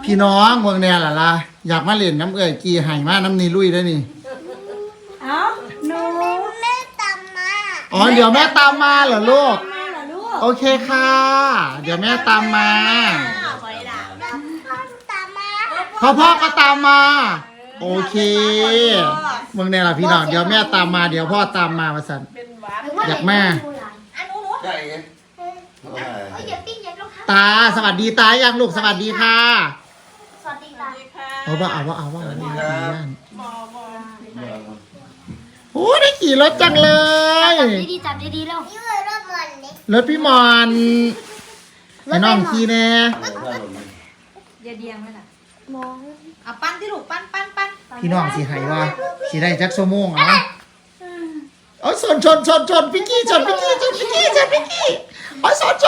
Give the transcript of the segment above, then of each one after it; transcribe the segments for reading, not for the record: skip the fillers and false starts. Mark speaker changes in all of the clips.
Speaker 1: พี่น้องเมืองแน่ล่ะอยากมาเล่นน้ำเอ่ยกีไห่มาน้ำนีลุยได้นี่
Speaker 2: เอ้าหนูแม่ตามมา
Speaker 1: อ๋อเดี๋ยวแม่ตามมาเหรอลูกโอเคค่ะ เดี๋ยวแม่ตามมาพ่อก็ตามมาโอเคเมืองแน่ล่ะพี่น้องเดี๋ยวแม่ตามมาเดี๋ยวพ่อตามมาสันอยากแม่ตาสวัสดีตายังลูกสวัสดีค่ะ
Speaker 2: สวัสดีค่ะ
Speaker 1: เอาว่าโอ้ได้ขี่รถจังเลย
Speaker 2: จับดีแล้วนี่เลยรถมัน
Speaker 1: รถพี่มอนไอ้น้องขี่แน่
Speaker 3: อย่าเดียงเลยล่ะ
Speaker 2: มอง
Speaker 3: เอาปั้นที่ลูกปั้น
Speaker 1: พี่น้องสีไหว่าสีได้จักชั่วโมงเอาชนพี่กี้ชนพี่กี้เอาชน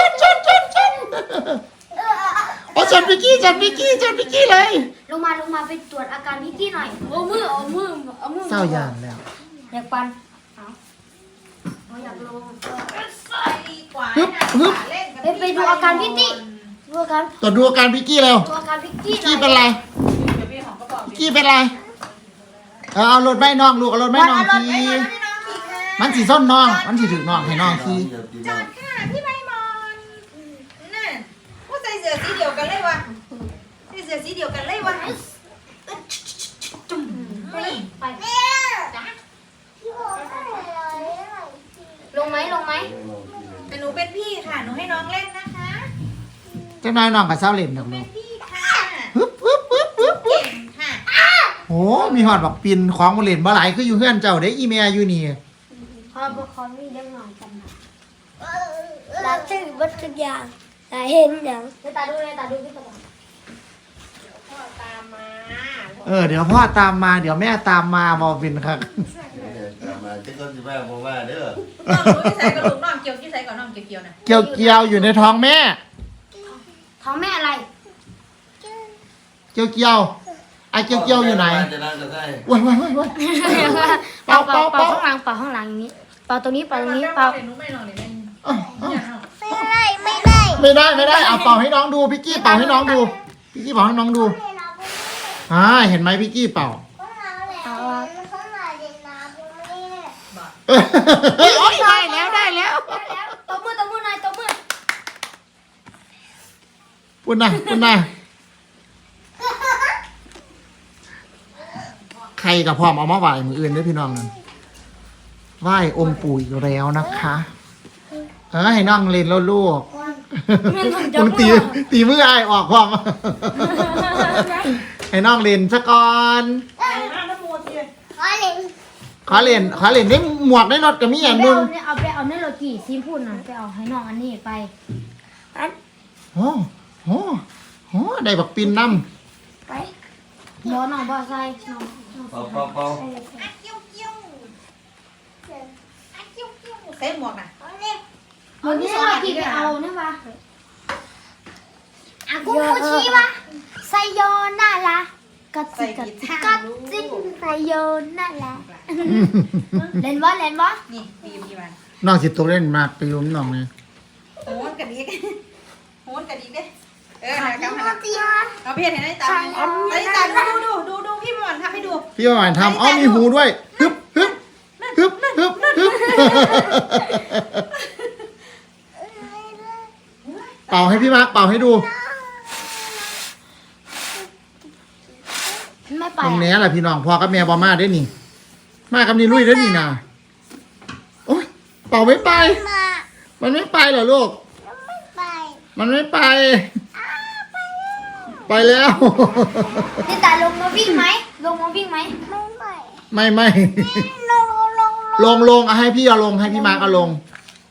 Speaker 1: เอาชนพี่กี้เลย
Speaker 2: ลงมาไปตรวจอาการพี่กี้หน่อยเอามือ
Speaker 1: เศร้ายานแล้ว
Speaker 2: อยากปันอยากลงไปดูอาการพี่ตี้
Speaker 1: ดูอาการพี่กี้แล้ว
Speaker 2: ดูอาการพี่กี้
Speaker 1: เป็นไรพี่กี้เป็นไรเอารถใบน้องลูกเอารถใบน้องขี่มันสีส้นน้องมันสีถึงน้องให้น้องขี่
Speaker 3: จอดค่ะพี่ใบมอนน่ะว่าใส่เสื้อสีเดียวกันเลยวะใส่เสื้อสีเดียวกันเลยวะ
Speaker 2: ไปลงไหม
Speaker 3: แต่หนูเป็นพี่ค่ะหนูให้น้องเล่นนะคะ
Speaker 1: เจ้าน้อยน้องกับเศร้าเล่นดอกลูก
Speaker 3: พี่ค่ะ
Speaker 1: ฮึบ
Speaker 3: เก่งค่ะ
Speaker 1: โอ้มีหอดบักปินของมาเล่นบ่หลายคืออยู่เฮือนเจ้าได้อีเมียอยู่นี่
Speaker 2: เขามีเรื่องหน่อยกันรักถึงวัตถุอย่างแต่เห็นอย่างตาดูพี่ตา
Speaker 3: พ่อตามมา
Speaker 1: เดี๋ยวพ่อตามมาเดี๋ยวแม่ตามมาบอปินครับ
Speaker 4: ตามมาจะก็จะว่าเด้อ
Speaker 3: น้องรู้ที่ใส่กระดูกน้องเกี่ยวที่ใส่ก่อนน้องเกี่ยวนะ
Speaker 1: เกี่ยวอยู่ในท้องแม่
Speaker 2: ท้องแม่อะไร
Speaker 1: เกี่ยวไอ้เกี่ยวอยู่ไหนว้าย
Speaker 2: เป่าข้างหลังอย่างนี้เป่าตรงนี้เป่า
Speaker 3: ไม่
Speaker 2: ได้
Speaker 1: เอาเป่าให้น้องดูพี่กี้เป่าให้น้องดูเห็นไหมพี่กี้เป่าได้แล้ว
Speaker 2: ตบมือหน่อย
Speaker 1: ปุ่นนะใครกับพ่อมเอามาไหว้มืออื่นด้วยพี่น้องนั่นไหว้องค์ปู่อีกแล้วนะคะให้น้องเล่นแล้วลูกมึงตีมือไอ้ออกความให้น้องเล่นซะก่อนขอเล่นได้หมวกได้รถกับมีอย่างนึง
Speaker 2: เอาไปเอาในรถกี่ซีพูดหน่อยไปเอาให้น้องอันนี้ไป
Speaker 1: โอ้ได้บักปินน้
Speaker 2: ำไปน้องบ่ใส่น้อง
Speaker 4: เป่า
Speaker 3: ใส่หมวกน่ะ
Speaker 2: มันนี่เรากี่ไปเอาเนี่ยปะกูชี้วะไซโยน่าละกัดซิไซโยน่าละเล่นวะ
Speaker 3: นี่ปีมัน
Speaker 1: น้องสิตัวเล่นมากไปยุ่มน้องเลย
Speaker 3: โหนกระดิกเด้กำหันเอาพี่เห็นไหมตาดูพี่หมอนทำให้ดู
Speaker 1: พี่หมอนทำมีหูด้วยฮึบเป่าให้พี่มาร์คเป่าให้ดู
Speaker 2: ไม่ไป
Speaker 1: ตรงนี้แหละพี่น้องพ่อกับแม่บอมาได้นี่มากับนี่ลุยได้นี่นะโอ๊ยเป่าไม่ไปมันไม่ไปเหรอลูกมันไม่ไปไปแล้ว
Speaker 2: นี่ตาลงมาวิ่งไหม
Speaker 1: ไม่ลงให้พี่เอาลงให้พี่มาร์คเอาลง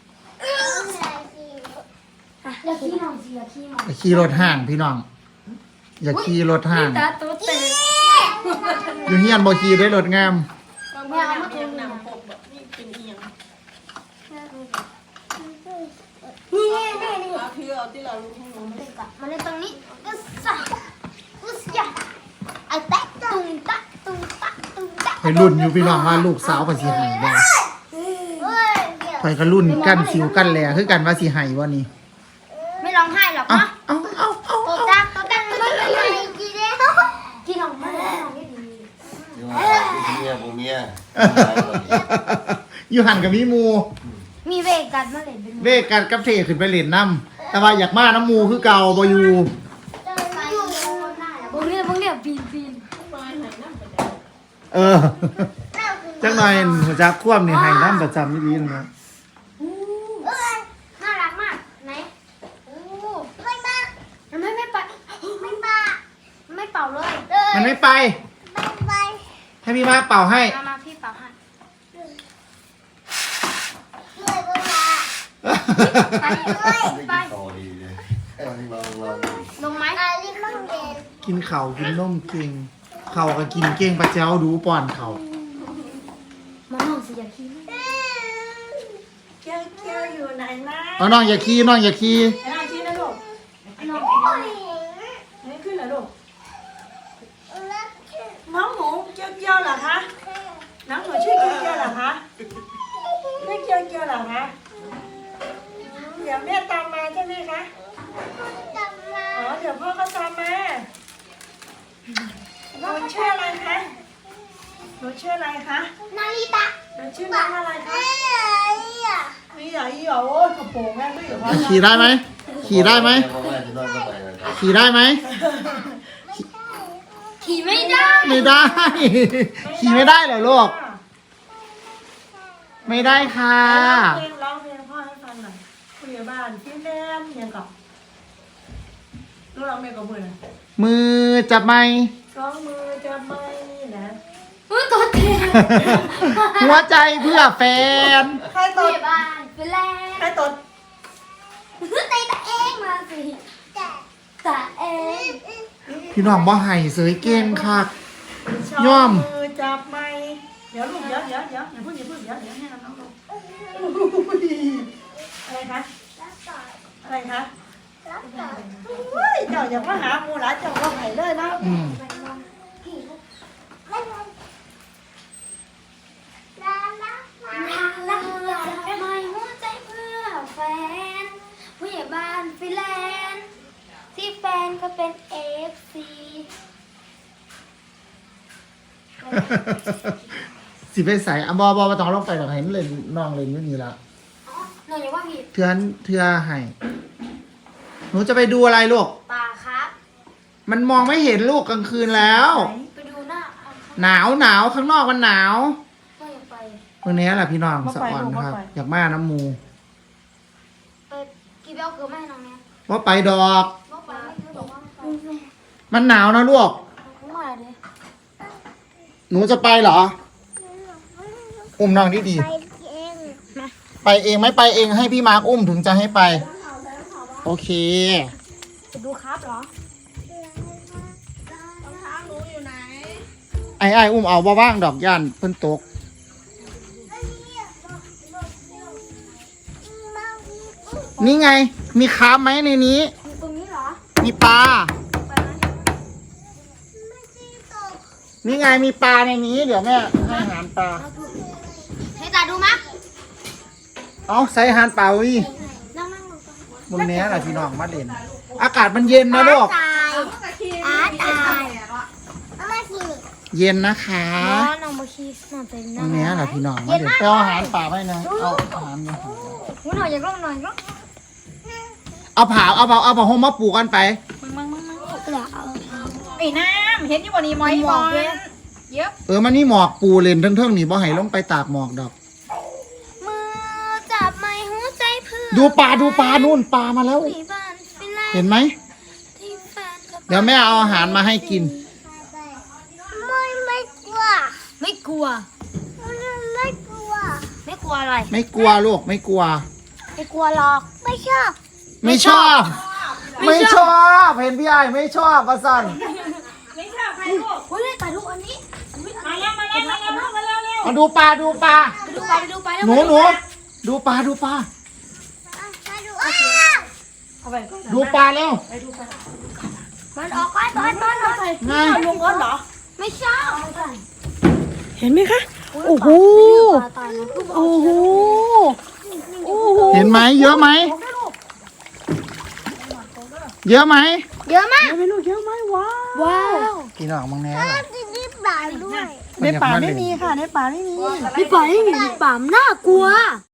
Speaker 2: อย่าขี่น้อง
Speaker 1: อย่าขี่รถห่างพี่น้องอย่าขี่รถห่างอยู่เฮียนบ่ขี่ได้รถงาม
Speaker 2: แม่เอามาถึงน้ำพกแบบนี่เป็นเอียงนี่เอาที่เรารู้ของหนูมาเล่นตรงนี้ก็สั่งไอ้แต๊ะตุ้งตะ
Speaker 1: ไปรุ่นอยู่พี่น้องว่าลูกสาวภาษีไห้บ่ไปก็รุ่นกันสิวกันแหล่คือกันว่าสิไห้บ่นี่
Speaker 2: ไม่ร้องไห้หรอกเนาะ
Speaker 1: เอา
Speaker 2: โตตัก
Speaker 1: อยู่หันกับมีหมู
Speaker 2: มีเวกัดมาเล่นเป็น
Speaker 1: เวกันกับเทขึ้นไปเล่นน้ำแต่ว่าอยากมาน้ำหมูคือเก่าบ่อยู่
Speaker 2: ไปอยู่บางเรื่องปีน
Speaker 1: เออจังหน่อยหัวจักคว่ำนี่ให้น้ำประจำนี่ดีนะ
Speaker 2: น่ารักมากไหนไม่ปะไม่ปะไม่เป่าเลย
Speaker 1: มันไม่ไป ให้พี่มาเป่าให้
Speaker 2: มาพี่เป่าให้ไป
Speaker 4: ต่อดีเลยลอง
Speaker 2: ลงไหม
Speaker 1: กินเข่าวกินนมเก่งเข่าวก็กินเก่งปลาเจ้าดูป้อนเข่า
Speaker 2: มันน้องสิอยากขี้
Speaker 3: เกียวอยู่ไหนนะ
Speaker 1: เอาน้องอย่าขี้น้องอย่าขี้
Speaker 3: ไอ้นายชี้นะลูก
Speaker 2: น้อง
Speaker 3: ไม่ขึ้นเหรอลูกน้องหมูเกียวเหรอคะน้องหมูชื่อเกียวเหรอคะไม่เกียวเหรอคะเดี๋ยวแม่ตามมาใช่ไหมคะอ๋อเดี๋ยวพ่อก็ตามมาหนูชื่ออะไรคะหนูชื่ออะไรคะ
Speaker 2: นาริตะ
Speaker 3: หนูชื่อน้องอะไรคะนี่เหรออีเหรอโอ้ยกระโปรงแม่ไม่อยู่ว่า
Speaker 1: ขี่ได้ไหมขี่ได้ไหม
Speaker 4: เพราะว่าจะนอนก็ไปเลย
Speaker 1: ขี่ได้ไหม
Speaker 2: ขี่ไม่ได้
Speaker 1: ไม่ได้ ขี่ไม่ได้เหรอลูกไม่ได้ค่ะ
Speaker 3: ร้องเพลงพ่อให้ฟังหน่อยคุยกับบ้านพี่แม่ยังก่อนรู้ร้องเพลงกับมือนะ
Speaker 1: มือจับไม้
Speaker 3: สองมือจะไม่นะ
Speaker 2: ตัวเต็ม
Speaker 1: หัวใจเพื่อแฟน
Speaker 3: ใครต
Speaker 2: เจ็
Speaker 3: ด
Speaker 2: บบ้านไปแล้
Speaker 3: ใครตด
Speaker 2: ใจตะเองมาสิตะเอง
Speaker 1: พี่น้องบ่ให้เสยเก่งค่ะ
Speaker 3: สอง
Speaker 1: ย่อม
Speaker 3: มือจับไม่เดี๋ยวลูกเดี๋ยวอย่าเพิ่งเดี๋ยวให้น้องลงอะไรคะอะไรคะอุ้ยเจ้าอย่ามาหาหมูหลานเจ้าก็ไห้เลยนะ
Speaker 1: อืม
Speaker 2: ไม่หัวใจเพื่อแฟนผู้ใหญ่บ้านฟิแลนด์ที่แฟนก็เป็น FC
Speaker 1: สิไปใส่อ่ะบอมาต้องลงไปหรอกให้มันเล่นน้องเล่นอยู่นี่ละ
Speaker 2: หนูอย่าว่าผิด
Speaker 1: เทือให้หนูจะไปดูอะไรลูก
Speaker 2: ป่าครับ
Speaker 1: มันมองไม่เห็นลูกกลางคืนแล้ว
Speaker 2: ไปดูหน้าเอาเขา
Speaker 1: หนาวข้างนอกมันหนาว
Speaker 2: ไม่อยากไป
Speaker 1: วันนี้แหละพี่น้องสะอ่อนครับ อยากมาน้ำมู
Speaker 2: ไปกี่เบลคือแม่น้องเนี่ย
Speaker 1: ว่าไปดอก
Speaker 2: บอกไปไม่คือบอกว่าไม่ไป
Speaker 1: มันหนาวนะลูก
Speaker 2: มาเลย
Speaker 1: หนูจะไปเหรอ อุ้มน้องดีๆไปเองไม่ไปเองให้พี่มาร์คอุ้มถึงจะให้ไป โอเค
Speaker 2: จะดูครับเหรอ
Speaker 1: ไอ้อุ้มเอาบ่ว่างดอกย่านเพิ่นตก นี่ไง มีคาร์ฟไหมในนี้
Speaker 2: อยู่ตรงนี้เหรอ
Speaker 1: มีปลา
Speaker 2: ไปไหม
Speaker 1: นี่ไงมีปลาในนี้ เดี๋ยวแม่ให้อาหารปลา
Speaker 2: ให้ตาดูมั้ย
Speaker 1: เอาใส่อาหารปลาวิ
Speaker 2: นั่งลงก่อน
Speaker 1: บนนี้แหละพี่น้องมาเล่น อากาศมันเย็นนะลูก
Speaker 2: ตายมาขี่
Speaker 1: เย็นนะคะ
Speaker 2: น้องมาขี่น้องเป็น
Speaker 1: ตรงนี้แหละพี่น้องมาเล่นไปเอาอาหารปลาไปนะเอาอาหารมา
Speaker 2: หูหน่อยอยากลงหน่อยก็
Speaker 1: เอาผ้าห่มมาปูกันไป
Speaker 2: อยากเอา
Speaker 3: ไอ้น้ำเห็นอยู่บนนี้มอยบอลเยอะ
Speaker 1: มันนี่หมอกปูเล่นเทิงๆนี่บ่ให้ลงไปตากหมอกดอก
Speaker 2: มือจับไม้หัวใจเพื่อ
Speaker 1: ดูปลานู่นปลามาแล้ว
Speaker 2: ที่บ้านฟินแลนด์
Speaker 1: เห็นไหม
Speaker 2: ที่แฟนก็
Speaker 1: เดี๋ยวแม่เอาอาหารมาให้กิน
Speaker 2: ไม่กลัว ไม่กลัว ไม่กลัว ไม่กลัวอะไร
Speaker 1: ไม่กลัวลูกไม่กลัว
Speaker 2: ไม่กลัวหรอก ไม่ชอบ
Speaker 1: ไม่ชอบ ไม่ชอบเห็นพี่ไอ้ไม่ชอบประสัน
Speaker 3: ไม่ชอบใครลูก
Speaker 2: เฮ้ยแต่ลูกอันนี้
Speaker 3: มาแล้วมาแล้วเร็ว
Speaker 1: มาดูปลา
Speaker 2: ไปดูไปแล้ว
Speaker 1: หนูดูปลา
Speaker 3: เอาไปก่อน
Speaker 1: ดูปลาแล้ว
Speaker 2: มันออกไปตอน
Speaker 1: ไง
Speaker 3: ลุงรถเหรอ
Speaker 2: ไม่ชอบ
Speaker 3: เห็นไหมคะ โอ้โห โอ้โห โอ้โห
Speaker 1: เห็นไหมเยอะไหมเยอะไหม
Speaker 2: เยอะมาก
Speaker 3: ไม่รู้เยอะไหมว้าว
Speaker 2: ว้าว
Speaker 1: พี่น้องมองแน่เหรอ
Speaker 2: นี่ปลาด้วย
Speaker 3: ในป่าไม่มีค่ะในป่าไม่มี
Speaker 2: ไม่ปล่อยให้มีป่ามน่ากลัว